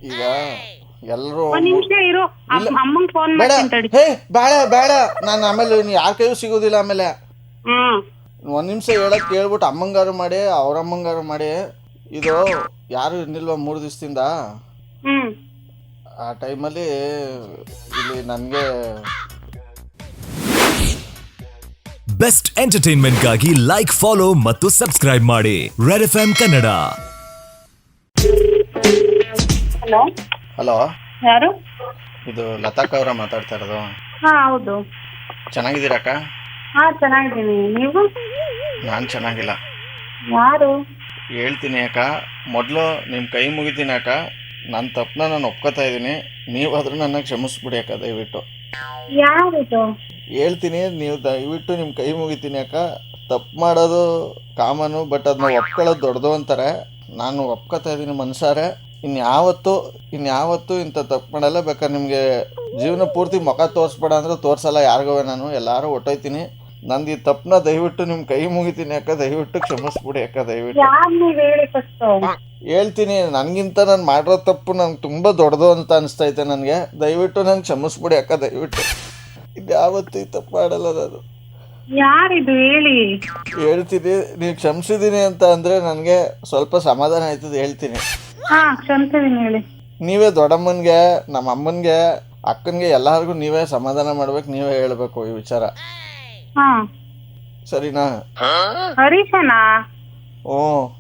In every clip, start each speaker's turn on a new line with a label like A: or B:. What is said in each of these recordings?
A: ಈಗ ಎಲ್ಲರೂ
B: ಒಂದ್ ನಿಮಿಷ ಇರು, ಅಮ್ಮಂಗ್ ಫೋನ್
A: ಬೇಡ,
B: ಮಾಡ್ತೀನಿ ತಡಿ.
A: ಹೇ ಬೇಡ ಬೇಡ, ನಾನು ಆಮೇಲೆ ಯಾರ ಕೈಯೂ ಸಿಗೋದಿಲ್ಲ ಆಮೇಲೆ.
B: ಹ್ಮ್
A: ಒಂದು ನಿಮಿಷ ಹೇಳಕ್ ಕೇಳ್ಬಿಟ್ಟು ಅಮ್ಮಂಗಾರು ಮಾಡಿ ಅವ್ರಮ್ಮಂಗಾರು ಮಾಡಿ. ಇದು ಯಾರು ಇರ್ನಿಲ್ವ 3 ದಿವಸದಿಂದ.
B: ಹ್ಮ್
A: ಆ ಟೈಮಲ್ಲಿ ಇಲ್ಲಿ ನನಗೆ
C: ಬೆಸ್ಟ್ ಎಂಟರ್ಟೈನ್ಮೆಂಟ್ಗಾಗಿ ಲೈಕ್, ಫಾಲೋ ಮತ್ತು ಸಬ್ಸ್ಕ್ರೈಬ್ ಮಾಡಿ red F Kannada.
B: Hello
A: hello,
B: ಯಾರು?
A: ಇದು ಲತಾಕ್ ಅವರ ಮಾತಾಡ್ತಾ ಇರೋದು.
B: ಹಾ ಹೌದು.
A: ಚೆನ್ನಾಗಿದ್ದೀರಕ್ಕ?
B: ಹಾ ಚೆನ್ನಾಗಿದ್ದೀನಿ, ನೀವು?
A: ನಾನು ಚೆನ್ನಾಗಿಲ್ಲ.
B: ಯಾರು?
A: ಹೇಳ್ತೀನಿ ಅಕ್ಕ, ಮೊದಲು ನಿಮ್ಮ ಕೈ ಮುಗಿತೀನಿ ಅಕ್ಕ. ನನ್ನ ತಪ್ಪನ್ನ ನಾನು ಒಪ್ಕೋತಾ ಇದ್ದೀನಿ. ನೀವಾದರೂ ನನ್ನ ಕ್ಷಮಿಸ್ಬಿಡಿ ಅಕ್ಕ, ದಯವಿಟ್ಟು.
B: ಯಾರಿದು?
A: ಹೇಳ್ತೀನಿ, ನೀವು ದಯವಿಟ್ಟು ನಿಮ್ಮ ಕೈ ಮುಗಿತೀನಿ ಅಕ್ಕ. ತಪ್ಪು ಮಾಡೋದು ಕಾಮನು, ಬಟ್ ಅದನ್ನ ಒಪ್ಕೊಳ್ಳೋದು ದೊಡ್ಡದು ಅಂತಾರೆ. ನಾನು ಒಪ್ಕೋತಾ ಇದ್ದೀನಿ ಮನ್ಸಾರೆ. ಇನ್ಯಾವತ್ತೂ ಇಂಥ ತಪ್ಪು ಮಾಡಲ್ಲ. ಬೇಕಾದ್ರೆ ನಿಮಗೆ ಜೀವನ ಪೂರ್ತಿ ಮುಖ ತೋರಿಸ್ಬೇಡ ಅಂದರೆ ತೋರಿಸಲ್ಲ ಯಾರಿಗೂ. ನಾನು ಎಲ್ಲರೂ ಹೊಟ್ಟೋಯ್ತೀನಿ. ನಂದು ಈ ತಪ್ಪನ್ನ ದಯವಿಟ್ಟು ನಿಮ್ಮ ಕೈ ಮುಗಿತೀನಿ ಅಕ್ಕ, ದಯವಿಟ್ಟು ಕ್ಷಮಿಸ್ಬಿಡಿ ಅಕ್ಕ, ದಯವಿಟ್ಟು.
B: ಯಾರು ನೀವು ಹೇಳಿ ಫಸ್ಟ್.
A: ಹೇಳ್ತೀನಿ, ನನಗಿಂತ ನಾನು ಮಾಡಿರೋ ತಪ್ಪು ನನಗೆ ತುಂಬ ದೊಡ್ಡದು ಅಂತ ಅನಿಸ್ತೈತೆ ನನಗೆ. ದಯವಿಟ್ಟು ನಾನು ಕ್ಷಮಿಸ್ಬಿಡಿ ಅಕ್ಕ, ದಯವಿಟ್ಟು. ಇದ್ಯಾವತ್ತೂ ಈ ತಪ್ಪು ಮಾಡಲ್ಲ ನಾನು.
B: ಯಾರಿದು ಹೇಳಿ?
A: ಹೇಳ್ತೀನಿ, ನೀವು ಕ್ಷಮಿಸಿದ್ದೀನಿ ಅಂತ ಅಂದರೆ ನನಗೆ ಸ್ವಲ್ಪ ಸಮಾಧಾನ ಆಯ್ತದೆ. ಹೇಳ್ತೀನಿ,
B: ಹಾ ಕ್ಷಮಿಸಿದೀನಿ ಹೇಳಿ.
A: ನೀವೇ ದೊಡ್ಡಮ್ಮನಿಗೆ, ನಮ್ಮ ಅಮ್ಮನಿಗೆ, ಅಕ್ಕನಿಗೆ ಎಲ್ಲರಿಗೂ ನೀವೇ ಸಮಾಧಾನ ಮಾಡ್ಬೇಕು, ನೀವೇ ಹೇಳಬೇಕು ಈ ವಿಚಾರ.
B: ಹಾ
A: ಸರಿನಾ?
B: ಹರೀಶನಾ?
A: ಹ್ಞೂ.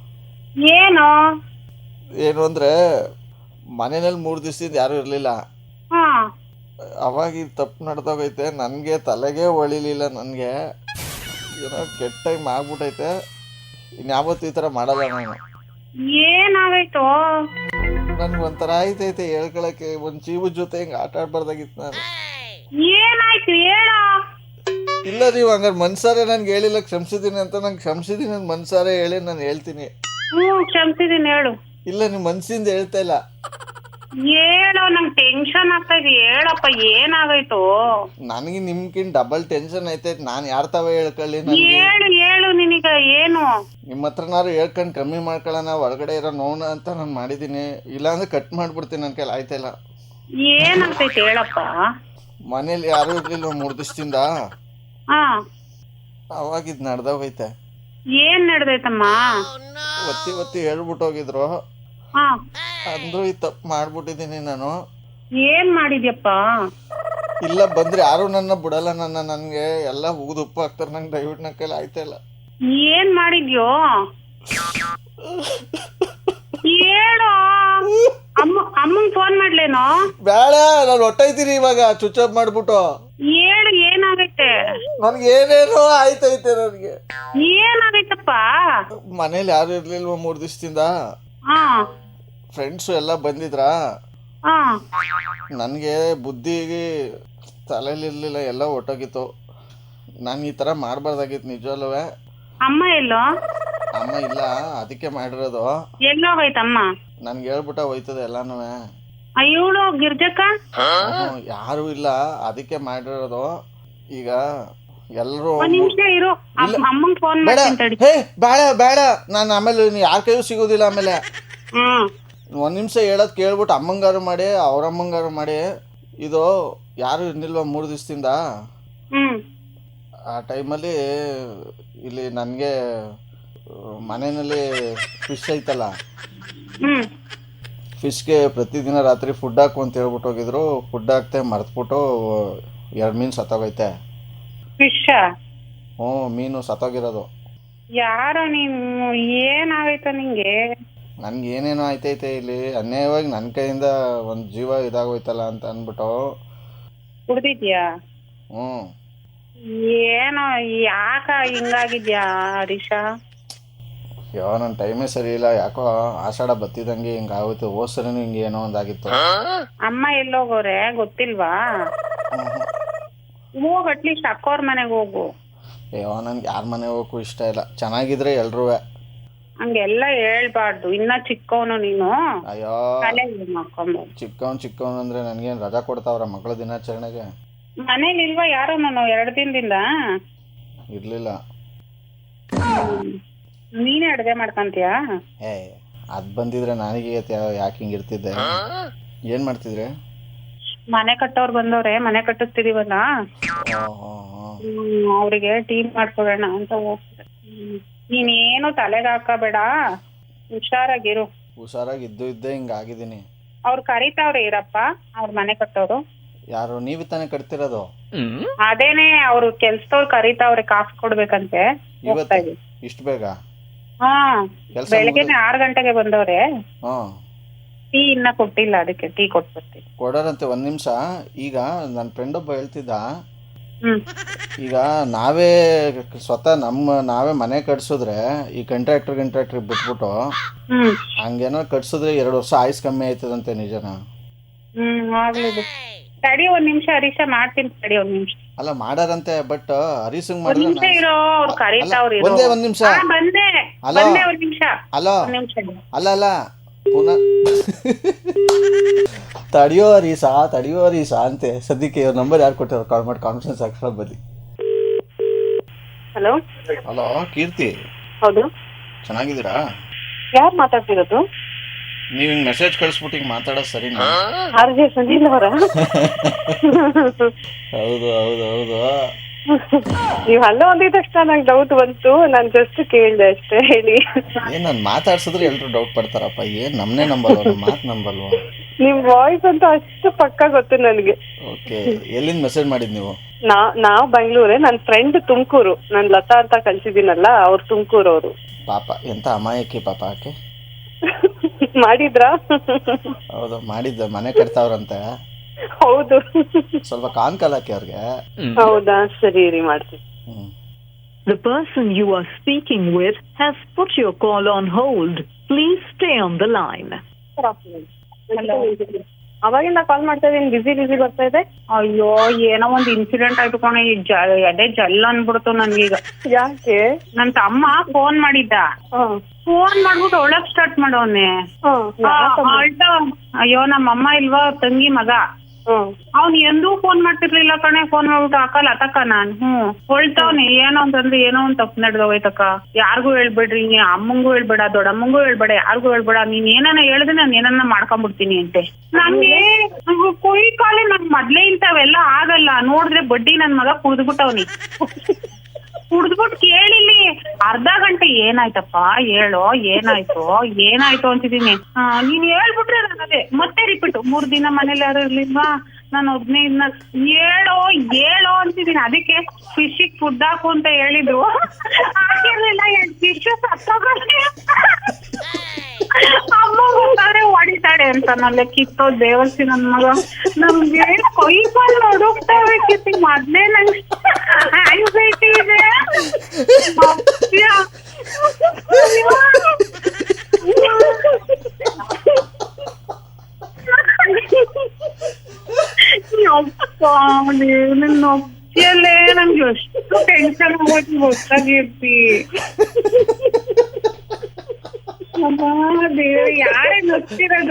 A: ಏನು ಅಂದರೆ, ಮನೆಯಲ್ಲಿ 3 ದಿವಸದಿಂದ ಯಾರೂ ಇರಲಿಲ್ಲ.
B: ಹಾ
A: ಅವಾಗ ಈ ತಪ್ಪು ನಡೆದೋಗೈತೆ. ನನಗೆ ತಲೆಗೆ ಹೊಳಿಲಿಲ್ಲ. ನನಗೆ ಏನೋ ಕೆಟ್ಟ ಟೈಮ್ ಆಗ್ಬಿಟ್ಟೈತೆ. ಇನ್ಯಾವತ್ತೂ ಈ ಥರ ಮಾಡಲ್ಲ ನಾನು.
B: ಏನಾಗೈತು?
A: ನನ್ಗೆ ಒಂಥರ ಆಯ್ತೈತೆ ಹೇಳ್ಕೊಳಕ್ಕೆ. ಒಂದು ಜೀವದ ಜೊತೆ ಹಿಂಗೆ ಆಟ ಆಡ್ಬಾರ್ದಾಗಿತ್ತು ನಾನು.
B: ಏನಾಯ್ತು ಹೇಳ.
A: ಇಲ್ಲ, ನೀವು ಹಂಗಾರೆ ಮನ್ಸಾರೆ ನನಗೆ ಹೇಳಿಲ್ಲ ಕ್ಷಮಿಸಿದ್ದೀನಿ ಅಂತ. ನಂಗೆ ಕ್ಷಮಿಸಿದ್ದೀನಿ ಅಂತ ಮನ್ಸಾರೆ ಹೇಳಿ ನಾನು ಹೇಳ್ತೀನಿ.
B: ಕ್ಷಮಿಸಿದೀನಿ ಹೇಳು.
A: ಇಲ್ಲ, ನೀವು ಮನ್ಸಿಂದ ಹೇಳ್ತಾ ಇಲ್ಲ.
B: ಹೇಳೋ, ನಂಗೆ ಟೆನ್ಷನ್ ಆಗ್ತಾ ಇದೆ. ಹೇಳಪ್ಪ ಏನಾಗೈತು?
A: ನನಗೆ ನಿಮ್ಗಿಂತ ಡಬಲ್ ಟೆನ್ಷನ್ ಐತೈತೆ. ನಾನು ಯಾರ ತಾವ ಹೇಳ್ಕೊಳ್ಳಿ?
B: ಹೇಳು ನಿನಗ ಏನು?
A: ನಿಮ್ಮ ಹತ್ರನಾರು ಹೇಳ್ಕೊಂಡು ಕಮ್ಮಿ ಮಾಡ್ಕೊಳ್ಳೋಣ, ಹೊರಗಡೆ ಇರೋ ನೋಣ ಅಂತ ನಾನು ಮಾಡಿದ್ದೀನಿ. ಇಲ್ಲಾಂದ್ರೆ ಕಟ್ ಮಾಡ್ಬಿಡ್ತೀನಿ, ನನ್ನ ಕೈಲಿ ಆಯ್ತಾಯಿಲ್ಲ.
B: ಏನಾಗ್ತೈತೆ ಹೇಳಪ್ಪ.
A: ಮನೇಲಿ ಯಾರೂ ಇರ್ಲಿಲ್ವ 3 ದಿವಸದಿಂದ.
B: ಹಾ
A: ಅವಾಗ ಇದು ನಡೆದೋಗೈತೆ.
B: ಏನ್ ನಡೆದೈತಮ್ಮ?
A: ಒತ್ತಿ ಹೇಳ್ಬಿಟ್ಟು ಹೋಗಿದ್ರು.
B: ಹಾ
A: ಅಂದ್ರೂ ಈ ತಪ್ಪು ಮಾಡ್ಬಿಟ್ಟಿದ್ದೀನಿ ನಾನು.
B: ಏನ್ ಮಾಡಿದ್ಯಪ್ಪ?
A: ಇಲ್ಲ, ಬಂದ್ರೆ ಯಾರು ನನ್ನ ಬಿಡಲ್ಲ. ನನಗೆ ಎಲ್ಲ ಉಗಿದು ಉಪ್ಪು ಹಾಕ್ತಾರೆ. ನಂಗೆ ದಯವಿಟ್ಟು ನನ್ನ ಕೈಲಿ ಆಯ್ತಾಯಿಲ್ಲ.
B: ಏನ್ ಮಾಡಿದ್ಯೋ ಹೇಳು. ಅಮ್ಮಂಗ್ ಫೋನ್ ಮಾಡ್ಲೇನೋ?
A: ಬೇಡ, ನಾನು ಹೊಟ್ಟೈತೀನಿ ಇವಾಗ. ಸ್ವಿಚ್ ಆಫ್ ಮಾಡ್ಬಿಟ್ಟು
B: ಹೇಳು ಏನಾಗೈತೆ?
A: ನನ್ಗೆ ಏನೇನೋ ಆಯ್ತೈತೆ. ನನಗೆ
B: ಏನಾಗೈತಪ್ಪ?
A: ಮನೇಲಿ ಯಾರು ಇರ್ಲಿಲ್ವ 3 ದಿವಸದಿಂದ.
B: ಹಾ
A: ಫ್ರೆಂಡ್ಸು ಎಲ್ಲ ಬಂದಿದ್ರಾ.
B: ಹಾ
A: ನನಗೆ ಬುದ್ಧಿಗೆ ತಲೆಯಲ್ಲಿರಲಿಲ್ಲ, ಎಲ್ಲ ಹೊಟ್ಟೋಗಿತ್ತು. ನಾನು ಈ ಥರ ಮಾಡಬಾರ್ದಾಗಿತ್ತು ನಿಜವಲ್ಲೂ.
B: ಅಮ್ಮ ಎಲ್ಲೋ?
A: ಅಮ್ಮ ಇಲ್ಲ, ಅದಕ್ಕೆ ಮಾಡಿರೋದು.
B: ಎಲ್ಲೋಗೈತಮ್ಮ?
A: ನನ್ಗೆ ಹೇಳ್ಬಿಟ್ಟ ಹೋಯ್ತದೆ ಎಲ್ಲಾನು.
B: ಇವಳು ಗಿರ್ಜಕ್ಕ?
A: ಯಾರು ಇಲ್ಲ, ಅದಕ್ಕೆ ಮಾಡಿರೋದು. ಈಗ ಎಲ್ಲರೂ
B: ಒಂದ್ ನಿಮಿಷ ಇರು, ಅಮ್ಮಂಗ್ ಫೋನ್
A: ಬೇಡ,
B: ಮಾಡ್ತೀನಿ ತಡಿ.
A: ಹೇ ಬೇಡ ಬೇಡ, ನಾನು ಆಮೇಲೆ ಯಾರ ಕೈಯೂ ಸಿಗೋದಿಲ್ಲ ಆಮೇಲೆ. ಒಂದು ನಿಮಿಷ ಹೇಳೋದು ಕೇಳ್ಬಿಟ್ಟು ಅಮ್ಮಂಗಾರು ಮಾಡಿ ಅವ್ರಮ್ಮಂಗಾರು ಮಾಡಿ. ಇದು ಯಾರು ಇರ್ನಿಲ್ವ 3 ದಿವಸದಿಂದ. ಆ ಟೈಮಲ್ಲಿ ಇಲ್ಲಿ ನನಗೆ ಮನೆಯಲ್ಲಿ ಫಿಶ್ ಐತಲ್ಲ, ಫಿಶ್ಗೆ ಪ್ರತಿದಿನ ರಾತ್ರಿ ಫುಡ್ ಹಾಕು ಅಂತ ಹೇಳ್ಬಿಟ್ಟು ಹೋಗಿದ್ರು. ಫುಡ್ ಹಾಕ್ತೆ ಮರೆತ್ಬಿಟ್ಟು 2 ಮೀನು ಸತ್ತೋಗೈತೆ.
B: ಫಿಶ್?
A: ಹ್ಞೂ, ಮೀನು ಸತ್ತೋಗಿರೋದು.
B: ಯಾರೋ ನೀನು? ಏನಾಗೈತ ನಿಂಗೆ?
A: ನನ್ಗೆ ಏನೇನೋ ಆಯ್ತೈತೆ ಇಲ್ಲಿ. ಅನ್ಯಾಯವಾಗಿ ನನ್ನ ಕೈಯಿಂದ ಒಂದು ಜೀವ ಇದಾಗೋಯ್ತಲ್ಲ ಅಂತ ಅಂದ್ಬಿಟ್ಟು.
B: ಕುಡ್ದಿದ್ಯಾ?
A: ಹ್ಞೂ.
B: ಏನೋ ಯಾಕ ಹಿಂಗಾಗಿದ್ಯಾ ಹರೀಶ?
A: ಅಯ್ಯೋ, ನನ್ನ ಟೈಮೇ ಸರಿ ಇಲ್ಲ. ಯಾಕೋ ಆಷಾಢ ಬತ್ತಿದಂಗೆ ಹಿಂಗಾಗೋಯ್ತು. ಹೋದ್ ಸರಿನೂ ಹಿಂಗೆ ಏನೋ ಒಂದಾಗಿತ್ತು.
B: ಅಮ್ಮ ಎಲ್ಲೋಗೋರೆ ಗೊತ್ತಿಲ್ವಾ? ಹೋಗ್ ಅಟ್ಲೀಸ್ಟ್ ಅಕ್ಕೋರ್ ಮನೆಗೆ ಹೋಗು.
A: ಅಯ್ಯೋ, ನನ್ಗೆ ಯಾರ ಮನೆ ಹೋಗೋಕ್ಕೂ ಇಷ್ಟ ಇಲ್ಲ. ಚೆನ್ನಾಗಿದ್ರೆ ಎಲ್ರೂ.
B: ಹಂಗೆಲ್ಲ ಹೇಳ್ಬಾರ್ದು. ಇನ್ನ ಚಿಕ್ಕವನು ನೀನು.
A: ಅಯ್ಯೋ, ಚಿಕ್ಕವನು ಅಂದ್ರೆ ನನ್ಗೇನು ರಜಾ ಕೊಡ್ತಾವ್ರ ಮಕ್ಕಳ ದಿನಾಚರಣೆಗೆ?
B: ಮನೇಲಿ ಇಲ್ವಾ ಯಾರು? ನಾನು 2 ದಿನದಿಂದ
A: ಇರ್ಲಿಲ್ಲ.
B: ನೀನೇ ಅಡುಗೆ ಮಾಡ್ಕೊಂತೀಯಾ?
A: ಅದು ಬಂದಿದ್ರೆ ನನಗೆ ಯಾಕೆ ಹಿಂಗಿರ್ತಿದ್ದೆ. ಏನು ಮಾಡ್ತಿದ್ರೆ?
B: ಮನೆ ಕಟ್ಟೋರು ಬಂದವ್ರೆ, ಮನೆ ಕಟ್ಟಿಸ್ತಿದೀವಲ್ಲ, ಅವ್ರಿಗೆ ಟೀ ಮಾಡ್ಕೊಡೋಣ ಅಂತ ಹೋಗ್ತದೆ. ನೀನೇನು ತಲೆಗೆ ಹಾಕಬೇಡ, ಹುಷಾರಾಗಿರು.
A: ಹುಷಾರಾಗಿ ಇದ್ದೆ ಹಿಂಗಾಗಿದ್ದೀನಿ.
B: ಅವ್ರು ಕರೀತಾವ್ರೆ ಇರಪ್ಪ, ಅವ್ರ ಮನೆ ಕಟ್ಟೋರು.
A: ಯಾರು? ನೀವು ತಾನೇ ಕಟ್ತಿರೋದು?
B: ಅದೇನೆ ಅವ್ರು ಕೆಲ್ಸದವ್ರು ಕರೀತಾವ್ರೆ, ಕಾಸು ಕೊಡ್ಬೇಕಂತೆ.
A: ಇವತ್ತು ಇಷ್ಟು ಬೇಗ?
B: ಹಾ, ಬೆಳಗ್ಗೆನೆ 6 ಗಂಟೆಗೆ ಬಂದವ್ರೆ. ಟೀ ಇನ್ನ ಕೊಟ್ಟಿಲ್ಲ, ಅದಕ್ಕೆ ಟೀ ಕೊಟ್ಬಿಡ್ತೀನಿ.
A: ಕೊಡೋರಂತೆ. 1 ನಿಮಿಷ. ಈಗ ನನ್ನ ಫ್ರೆಂಡ್ ಒಬ್ಬ ಹೇಳ್ತಿದ್ದ, ಈಗ ನಾವೇ ಸ್ವತಃ ನಾವೇ ಮನೆ ಕಟ್ಸಿದ್ರೆ ಈ ಕಾಂಟ್ರಾಕ್ಟರ್ ಬಿಟ್ಬಿಟ್ಟು ಹಂಗೇನೋ ಕಟ್ಸಿದ್ರೆ 2 ವರ್ಷ ಆಯುಸ್ ಕಮ್ಮಿ ಆಯ್ತದಂತೆ. ನಿಜನಾ?
B: ಆಗ್ಲಿದು. ತಡಿ 1 ನಿಮಿಷ ಹರೀಶ, ಮಾಡ್ತೀನಿ ತಡಿ 1 ನಿಮಿಷ.
A: ಅಲ್ಲ ಮಾಡಾರಂತೆ, ಬಟ್ ಹರೀಶಂಗ್
B: ಒಂದ್ ನಿಮಿಷ ಇರೋ, ಅವ್ರು ಕರೀತಾವ್ರಿ.
A: ಒಂದೇ 1 ನಿಮಿಷ.
B: ಬಂದೆ 1 ನಿಮಿಷ.
A: ಅಲೋ, ಅಲ್ಲ ಪುನಃ ತಡಿಯೋ ಹರೀಶ ಅಂತೆ. ಸದ್ಯಕ್ಕೆ ಇವ್ರ ನಂಬರ್ ಯಾರು ಕೊಟ್ಟಿರೋ? ಕಾಲ್ ಮಾಡಿ ಕಾನ್ಫರೆನ್ಸ್ ಹಾಕ್ಸೋ ಬನ್ನಿ.
B: ಹಲೋ
A: ಕೀರ್ತಿ.
B: ಹೌದು,
A: ಚೆನ್ನಾಗಿದ್ದೀರಾ?
B: ಯಾರು ಮಾತಾಡ್ತಿರೋದು?
A: ನೀವು ಹಿಂಗ್ ಮೆಸೇಜ್ ಕಳಿಸ್ಬಿಟ್ಟು ಹಿಂಗ್ ಮಾತಾಡೋದು ಸರಿನಾ?
B: ಸಂಜೀಲ್ ಅವರ?
A: ಹೌದು.
B: ನೀವು ಹಲೋ ಅಂದಿದ ತಕ್ಷಣ ನಂಗೆ ಡೌಟ್ ಬಂತು. ನಾನು ಜಸ್ಟ್ ಕೇಳಿದೆ ಅಷ್ಟೇ. ಹೇಳಿ.
A: ಏನ್ ನಾನು ಮಾತಾಡ್ಸಿದ್ರೆ ಎಲ್ರು ಡೌಟ್ ಪಡ್ತಾರಪ್ಪ. ಏನ್ ನಮ್ನೇ ನಂಬಲ್ವ? ಮಾತು ನಂಬಲ್ವ?
B: ನಿಮ್ ವಾಯ್ಸ್ ಅಂತ ಅಷ್ಟು ಪಕ್ಕ ಗೊತ್ತು ನನಗೆ.
A: ಓಕೆ, ಎಲ್ಲಿಂದ ಮೆಸೇಜ್ ಮಾಡಿದ್ ನೀವು?
B: ನಾವ್ ಬೆಂಗಳೂರೇ, ನನ್ನ ಫ್ರೆಂಡ್ ತುಮಕೂರು. ನಾನ್ ಲತಾ ಅಂತ ಕಳ್ಸಿದ್ದೀನಲ್ಲ, ಅವ್ರು ತುಮಕೂರು ಅವರು.
A: ಪಾಪ ಎಂತ ಅಮಾಯಕಿ ಪಾಪ ಆಕೆ.
B: ಮಾಡಿದ್ರಾ?
A: ಹೌದು, ಮಾಡಿದ್ದೆ. ಮನೆ ಕಟ್ತಾವ್ರಂತೆ.
B: ಹೌದು.
A: ಸ್ವಲ್ಪ ಕಾಲ್ ಹಾಕಿ ಅವ್ರಿಗೆ.
B: ಹೌದಾ, ಸರಿ ರೀ, ಮಾಡ್ತೀನಿ.
D: The person you are speaking with has put your call on hold. Please stay on the line.
B: ಅವಾಗಿಂದ ಕಾಲ್ ಮಾಡ್ತಾ ಇದೀನಿ, ಬಿಸಿ ಬರ್ತಾ ಇದೆ. ಅಯ್ಯೋ, ಏನೋ ಒಂದ್ ಇನ್ಸಿಡೆಂಟ್ ಆಯ್ತು ಕಣೆ, ಎದೆ ಜಲ್ ಅನ್ಬಿಡ್ತು ನನ್ಗೀಗ. ಯಾಕೆ? ನನ್ ತಮ್ಮ ಫೋನ್ ಮಾಡಿದ್ದ. ಫೋನ್ ಮಾಡ್ಬಿಟ್ಟು ಒಳಗ್ ಸ್ಟಾರ್ಟ್ ಮಾಡೋನೆ. ಅಯ್ಯೋ, ನಮ್ಮಮ್ಮ ಇಲ್ವಾ, ತಂಗಿ ಮಗ. ಅವ್ನ್ ಎಂದೂ ಫೋನ್ ಮಾಡ್ತಿರ್ಲಿಲ್ಲ ಕಣೆ. ಫೋನ್ ಮಾಡ್ಬಿಟ್ಟು ಹಾಕಲ್ಲ ಅತಕ್ಕ ನಾನು ಹೊಳ್ತಾವ್ನಿ. ಏನೋ ಅಂತಂದ್ರೆ ಏನೋ ಒಂದ್ ತಪ್ಪು ನಡೆದೋಯ್ತಕ್ಕ. ಯಾರಿಗೂ ಹೇಳ್ಬೇಡ್ರಿ, ಅಮ್ಮಂಗೂ ಹೇಳ್ಬೇಡ, ದೊಡ್ಡಮ್ಮಂಗೂ ಹೇಳ್ಬೇಡ, ಯಾರಿಗೂ ಹೇಳ್ಬೇಡ. ನೀನ್ ಏನಾನ ಹೇಳಿದ್ರೆ ನಾನು ಏನನ್ನ ಮಾಡ್ಕೊಂಡ್ಬಿಡ್ತೀನಿ ಅಂತೆ. ನಂಗೆ ಕುಯ್ ಕಾಲಿ ನನ್ ಮೊದ್ಲೇ ಇಂಥವೆಲ್ಲ ಆಗಲ್ಲ. ನೋಡಿದ್ರೆ ಬಡ್ಡಿ ನನ್ ಮಗ ಕುಡ್ದ್ಬಿಟ್ಟವ್ನಿ. ಕುಡ್ದ್ಬಿಟ್ಟು ಕೇಳಿಲ್ಲಿ ಅರ್ಧ ಗಂಟೆ ಏನಾಯ್ತಪ್ಪ ಹೇಳೋ, ಏನಾಯ್ತು ಅಂತಿದೀನಿ. ನೀನ್ ಹೇಳ್ಬಿಟ್ರೆ ನಾನು ಅದೇ ಮತ್ತೆ ರಿಪೀಟ್. 3 ದಿನ ಮನೇಲಿ ಯಾರು ಇರ್ಲಿಲ್ವಾ, ನಾನು ಒಬ್ನೇ ಇದ್ನ. ಹೇಳೋ ಅಂತಿದೀನಿ. ಅದಕ್ಕೆ ಫಿಶಿಗೆ ಫುಡ್ ಹಾಕು ಅಂತ ಹೇಳಿದ್ರು, ಹಾಕಿರ್ಲಿಲ್ಲ. 2 ಫಿಶ್ ಸತ್ತೋಗಕ್ಕೆ ಅಮ್ಮ ಗೊತ್ತಾದ್ರೆ ಹೊಡಿತಾಳೆ ಅಂತ. ನಲ್ಲೆ ಕಿತ್ತೋ ದೇವಸ್ಥಿ ನನ್ ಮಗ. ನಮ್ಗೆ ಕೈ ಕಾಲು ಹೊಡೋಗ್ತಾವೆ ಕಿತ್ತಿ. ಮೊದ್ಲೇ ನಂಗೆ ಆಂಗ್ಸೈಟಿ ಇದೆ. ನೊಪ್ಪಿಯಲ್ಲೇ ನಂಗೆ ಎಷ್ಟು ಟೆನ್ಷನ್ ಆಗೋಯ್ತು ಗೊತ್ತಾಗಿರ್ತಿ. ಯಾರೇ ನೊತ್ತಿರೋದು?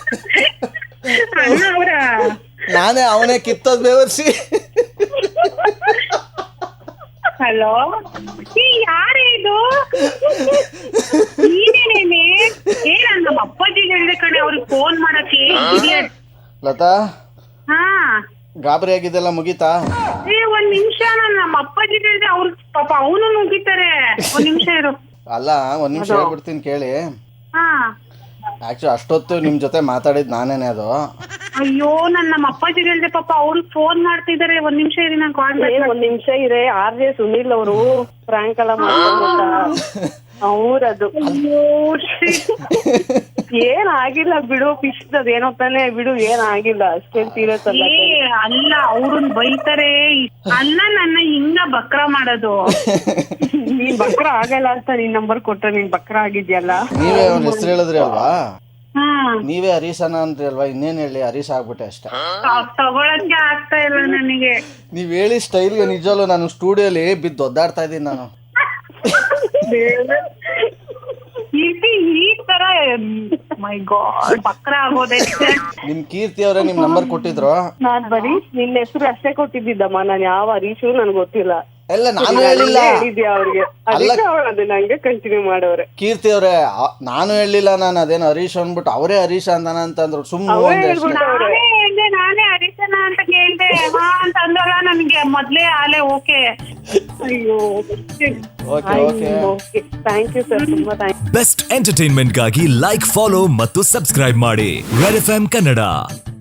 B: ಅಣ್ಣ ಅವ್ರ?
A: ನಾನೇ, ಅವನೇ ಕಿತ್ತೋದ್ ಬೇವರ್ಸಿ.
B: ಹಲೋ, ಯಾರೇ ಇದು? ನೀನೇನೇನೆ? ನಾನು ನಮ್ಮ ಅಪ್ಪಾಜಿಗೆ ಹೇಳಿದೆ ಕಣೆ ಅವ್ರಿಗೆ ಫೋನ್ ಮಾಡಕ್ಕೆ.
A: ಲತಾ,
B: ಹಾ,
A: ಗಾಬರಿ ಆಗಿದ್ದೆಲ್ಲ ಮುಗೀತಾ?
B: 1 ನಿಮಿಷ, ನಾನು ನಮ್ಮ ಅಪ್ಪಾಜಿಗೆ ಹೇಳಿದೆ. ಅವ್ರ ಪಾಪ ಅವನು ಮುಗಿತಾರೆ. 1 ನಿಮಿಷ ಇರು.
A: ಅಲ್ಲ, 1 ನಿಮಿಷ ಹೇಳ್ಬಿಡ್ತೀನಿ ಕೇಳಿ.
B: ಹಾ,
A: ಆಕ್ಚುಲಿ ಅಷ್ಟೊತ್ತು ನಿಮ್ ಜೊತೆ ಮಾತಾಡಿದ್ ನಾನೇನೆ ಅದು.
B: ಅಯ್ಯೋ, ನಮ್ಮ ಅಪ್ಪಾಜಿಗೆ ಹೇಳಿದೆ, ಪಾಪ ಅವ್ರು ಫೋನ್ ಮಾಡ್ತಿದ್ದಾರೆ. 1 ನಿಮಿಷ ಇರಿ, ನಾನು ಕಾಲ್ ಮಾಡಿ.
E: 1 ನಿಮಿಷ ಇರೇ. RJ ಸುನಿಲ್ ಅವರು ಫ್ರಾಂಕ್ ಎಲ್ಲ ಮಾಡ್ತಾರೆ ಅವ್ರದು. ಏನಾಗಿಲ್ಲ ಬಿಡು, ಫಿಶ್ ಅದೇನೋ ತಾನೆ ಬಿಡು, ಏನಾಗಿಲ್ಲ. ಅಷ್ಟೇ ಸೀರಿಯಸ್ ಅಲ್ಲ.
B: ಅಲ್ಲ, ಅವ್ರನ್ನ ಬೈತಾರೆ. ಅಲ್ಲ, ನನ್ನ ಹಿಂಗ ಬಕ್ರ ಮಾಡೋದು.
E: ನೀನ್ ಬಕ್ರ ಆಗಲ್ಲ ಅಂತ ನಿನ್ ನಂಬರ್ ಕೊಟ್ಟ, ನೀನ್ ಬಕ್ರ ಆಗಿದ್ಯಲ್ಲ.
A: ನೀವೇ ಅವ್ನ ಹೆಸರು ಹೇಳಿದ್ರಿ ಅಲ್ವಾ? ನೀವೇ ಹರೀಶನ ಅಂದ್ರಿ ಅಲ್ವಾ? ಇನ್ನೇನ್ ಹೇಳಿ, ಹರೀಶ್ ಆಗ್ಬಿಟ್ಟೆ ಅಷ್ಟೇ.
B: ತಗೊಳಕ್ಕೆ ಆಗ್ತಾ ಇಲ್ಲ ನನಗೆ.
A: ನೀವ್ ಹೇಳಿ ಸ್ಟೈಲ್ಗೆ ನಿಜವಲ್ಲೂ ನಾನು ಸ್ಟುಡಿಯೋಲಿ ಬಿದ್ದು ಒದ್ದಾಡ್ತಾ ಇದ್ದೀನಿ ನಾನು.
B: ಈ ತರ ಮೈ ಗಾಡ್ ಬಕ್ರ ಆಗೋದೆ.
A: ನಿಮ್ ಕೀರ್ತಿ ಅವರೇ ನಿಮ್ ನಂಬರ್ ಕೊಟ್ಟಿದ್ರು.
E: ನಾನ್ ಬರೀ ನಿನ್ನ ಹೆಸರು ಅಷ್ಟೇ ಕೊಟ್ಟಿದ್ದಮ್ಮ. ನಾನ್ ಯಾವ ಹರೀಶು ನನ್ಗೆ ಗೊತ್ತಿಲ್ಲ.
A: ಎಲ್ಲ ನಾನು ಹೇಳಿಲ್ಲ.
E: ಹೇಳಿದ್ಯಾ ಅವ್ರಿಗೆ, ಅದಕ್ಕೆ ಅವ್ರು ಅದನ್ನ ಹಂಗೆ ಕಂಟಿನ್ಯೂ ಮಾಡೋರೆ.
A: ಕೀರ್ತಿ ಅವ್ರೆ ನಾನು ಹೇಳಿಲ್ಲ, ನಾನು ಅದೇನು ಹರೀಶ್ ಅಂದ್ಬಿಟ್ಟು ಅವರೇ ಹರೀಶ್ ಅಂತಾನ ಅಂತಂದ್ರು. ಸುಮ್ಮನೆ
B: ನಾನೇ ಹರೀಶನ ಅಂತ ಕೇಳ್ದೆ, ಹಾ ಅಂತ ಅಂದಲ್ಲ. ನನ್ಗೆ ಮೊದ್ಲೇ ಆಲೆ ಓಕೆ.
E: ಅಯ್ಯೋ
A: ಓಕೆ
E: ಥ್ಯಾಂಕ್ ಯು ಸರ್, ತುಂಬಾ ಥ್ಯಾಂಕ್ ಯು.
C: ಬೆಸ್ಟ್ ಎಂಟರ್ಟೈನ್ಮೆಂಟ್ಗಾಗಿ ಲೈಕ್, ಫಾಲೋ ಮತ್ತು ಸಬ್ಸ್ಕ್ರೈಬ್ ಮಾಡಿ ರೆಡ್ FM ಕನ್ನಡ.